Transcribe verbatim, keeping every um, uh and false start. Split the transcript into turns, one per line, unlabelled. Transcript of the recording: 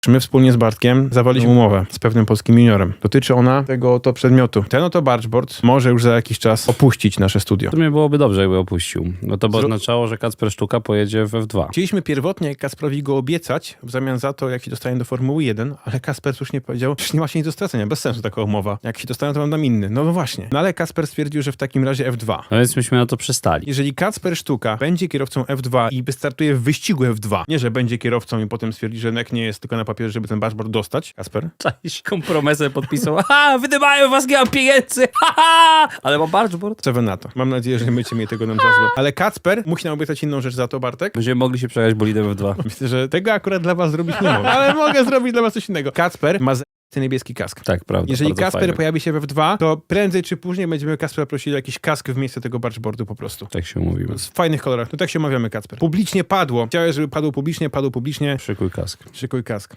My wspólnie z Bartkiem zawaliśmy umowę z pewnym polskim juniorem. Dotyczy ona tego oto przedmiotu. Ten oto bargeboard może już za jakiś czas opuścić nasze studio.
W sumie byłoby dobrze, jakby opuścił. No to by
Zro...
oznaczało, że Kacper Sztuka pojedzie w F dwa.
Chcieliśmy pierwotnie Kacprowi go obiecać w zamian za to, jak się dostanie do Formuły jeden, ale Kacper słusznie powiedział, że nie ma się nic do stracenia, bez sensu taka umowa. Jak się dostanę, to mam dam inny. No, no właśnie. No ale Kacper stwierdził, że w takim razie F dwa.
No więc myśmy na to przystali.
Jeżeli Kacper Sztuka będzie kierowcą F dwa i wystartuje w wyścigu F dwa, nie, że będzie kierowcą i potem stwierdzi, że jednak nie jest tylko na papierze, żeby ten bargeboard dostać, Kacper?
Cześć, kompromesę podpisał. Aha, wydymają was, nie mam pieniędzy. Haha, ale mam bargeboard.
Co wy na to? Mam nadzieję, że nie będziecie mieli tego nam za złe. Ale Kacper musi nam obiecać inną rzecz za to, Bartek.
Będziemy mogli się przejechać bolidem F dwa.
Myślę, że tego akurat dla was zrobić nie mogę. Ale mogę zrobić dla was coś innego. Kacper ma z... niebieski kask.
Tak, prawda.
Jeżeli
bardzo
Kacper
fajny.
pojawi się w F dwa, to prędzej czy później będziemy Kacpera prosili o jakiś kask w miejsce tego bargeboardu po prostu.
Tak się umówimy.
W fajnych kolorach. No tak się omawiamy, Kacper. Publicznie padło. Chciałeś, żeby padło publicznie, padło publicznie.
Szykuj kask.
Szykuj kask.